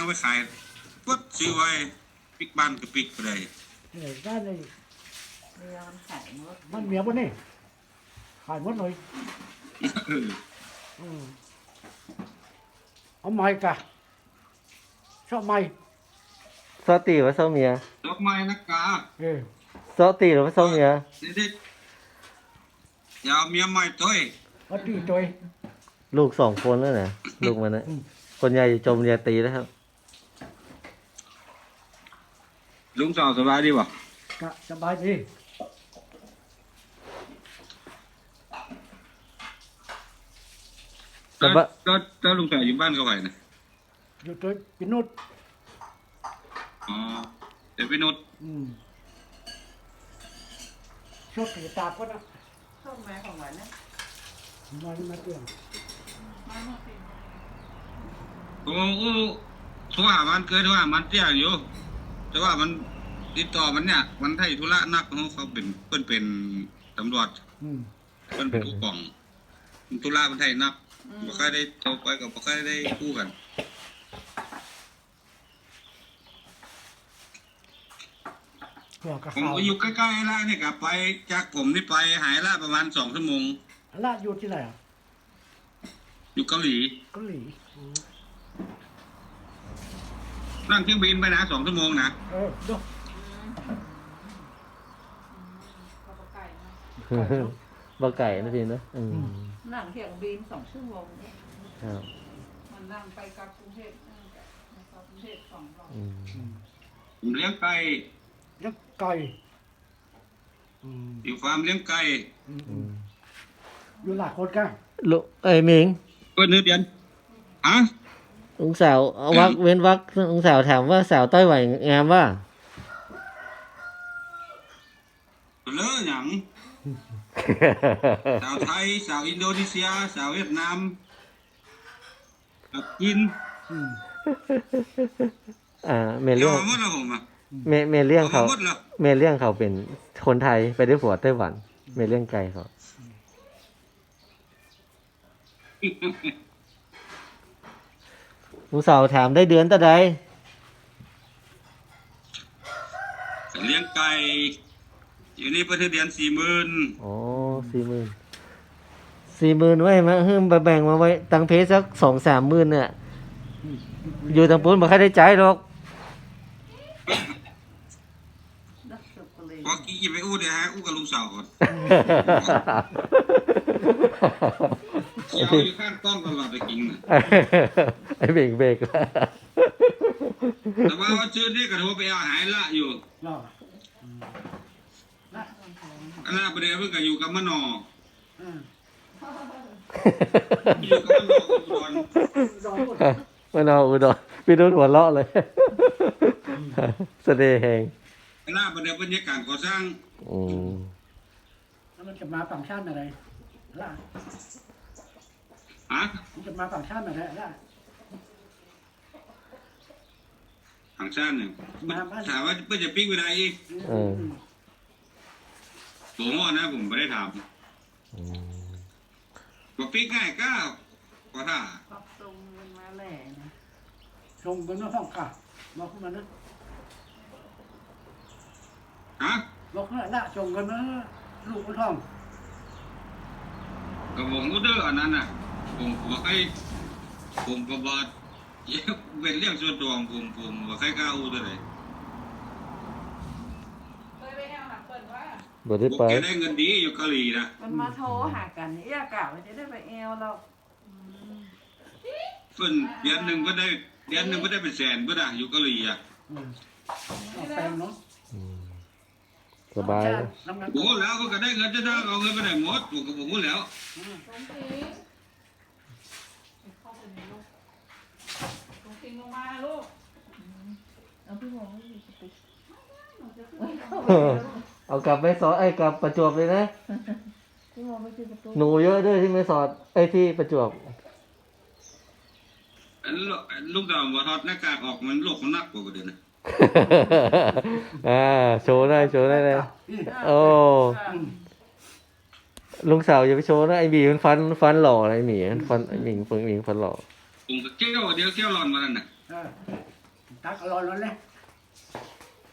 เอาไปขายปุ๊บซื้อไว้ปิกบ้านก็ปิกไปเลยได้เลยเรือมันขายหมดมันเมียปะนี่ขายหมดเลยเออเอาไม้กะชอบไม้ซอตีหรือว่าซอเมียดอกไม้นักกาซอตีหรือว่าซอเมียเด็ดๆอย่าเอาเมียใหม่ตัวเองเอาตีตัวลูก2 คนแล้วนะลูกมันนะคนใหญ่จมเรียนตีแล้วครับลุงสาวสบายดีบ่กะสบายดีก็ลุงสาวอยู่บ้านเขาไหวนะอยู่ตัวปินุดอ๋อเดี๋ยวไปนุชชดตีตาก็นะส้มไม้ของหวานนะมาเตียงมาเมื่อปีโอ้โหโทรหามันเกิดโทรหามันเตี้ยอยู่แต่ว่ามันติดต่อมันเนี่ยมันไทยธุระนักเขาเป็นเพิ่นเป็นตำรวจเพิ่นเป็นผู้กองธุระมันไทยนักบ่ค่อยได้โทรไปกับบ่ค่อยได้คู่กันหัวกะผมขาวก็อยู่ใกล้ๆแล้วนี่กลับไปจากผมนี่ไปหายละประมาณ2 ชั่วโมงละอยู่ที่ไหนอ่ะอยู่เกาหลีเกาหลีนั่งเครื่องบินไปนะ2 ชั่วโมงนะดูข้าวไก่นะบ่ไก่นะพี่นะนั่งเที่ยงบิน2 ชั่วโมงเนี่ยครับมันนั่งไปกลับกรุงเทพนั่งกลับกรุงเทพ2 รอบผมเลี้ยงไก่ยักไก่อยู่ฟาร์มเลี้ยงไก่อยู่หลายคนกันลูกหมิงเปิดเนื้อเดือนฮะลุงสาวเอาวักเว้นวักลุงสาวถามว่าสาวต้อยไหวงามว่าเลอะหยังสาวไทยสาวอินโดนีเซียสาวเวียดนามจีนเมเดี๋ยเลี่วยงมาหมดแล้วผมอ่ะเมเลี่ยงเอาเขามาหมดแล้วเมเลี่ยงเขาเป็นคนไทยไปได้ผัวไต้หวัน เมเลี่ยงไกลเขาลุงสาวถามได้เดือนตะใดเลี้ยงไก่อยู่นี่เปิดเดือน40,000 อ๋อ40,000ไว้มาเฮิมแบ่งมาไว้ตังเพสัก2-3 หมื่นเนี่ยอยู่ทางปุ้นบ่ค่อยได้ใจายหรอกนักสืบก็เลยพอกี้ไปอู้เดี๋ยวฮะอู้กับลุงสาวก่อนเชียวอยู่ข้างกล้องตลอดไปกินน่ะไอ้เบรกแล้วแต่ว่าชื่อนี่ก็โทรไปเอาหายละอยู่รออันนั้นประเดี๋ยวเพิ่งก็อยู่กับมะนออยู่กับมะนออุดรรอหมดมันเอาอุดรพี่นุ่นหัวเราะเลยเสน่ห์แหงอันนั้นประเดี๋ยวบรรยากาศก่อสร้างแล้วมันจะมาฝั่งชาติอะไรล่ะฮะมันจะมาฝั่งชาติอะไรล่ะทางชาติเนี่ยถามว่าเพื่อจะปิ้งเวลาอีกผมว่านะผมไม่ได้ถามบอกปิ้งง่ายก็ถ้าปรับตรงมันมาแหล่นะชมกันว่าห้องค่ะบอกขึ้นมานะฮะบอกขึ้นมาละชมกันนะลูกมันห้องกับผมก็เด้ออันนั้นน่ะผมบอกให้ผมก็บอกเป็นเรื่องส่วนตัวของผมบอกให้กล้าอู้ตัวไหนเคยไปแอลหนักเปิดว่าบ่ได้บอกไปแกได้เงินดีอยู่เกาหลีนะมันมาโทรหากันนี่อยากกล่าวว่าจะได้ไปแอลเราเพิ่นเดือนหนึ่งก็ได้เป็นแสนก็ได้อยู่เกาหลีอ่ะเอาแปลงเนาะสบายน้ำมันโอ้แล้วก็ได้เงินจะได้เอาเงินไปไหนหมดผมก็บอกแล้วตรงทิ้งเข้าไปในลูกตรงทิ้งลงมาลูกเอาพี่หมอไม่อยู่ติดเอากลับไปสอนกลับประจวบเลยนะพี่หมอไม่ติดประตูหนูเยอะด้วยที่ไม่สอดที่ประจวบลูกดาวว่าทอดหน้ากากออกมันโลกมันนักกว่าเดิมนะโชว์ได้เลยโอ้ลุงสาวอย่าไปโชว์นะไอ้หมีมันฟันหล่อนะไอ้หมีมันฟันไอ้หมิงฟันหล่อผมก็เกี้ยวเดียวเกี้ยวร้อนมาแล้วน่ะตักอร่อยแล้วเนี่ย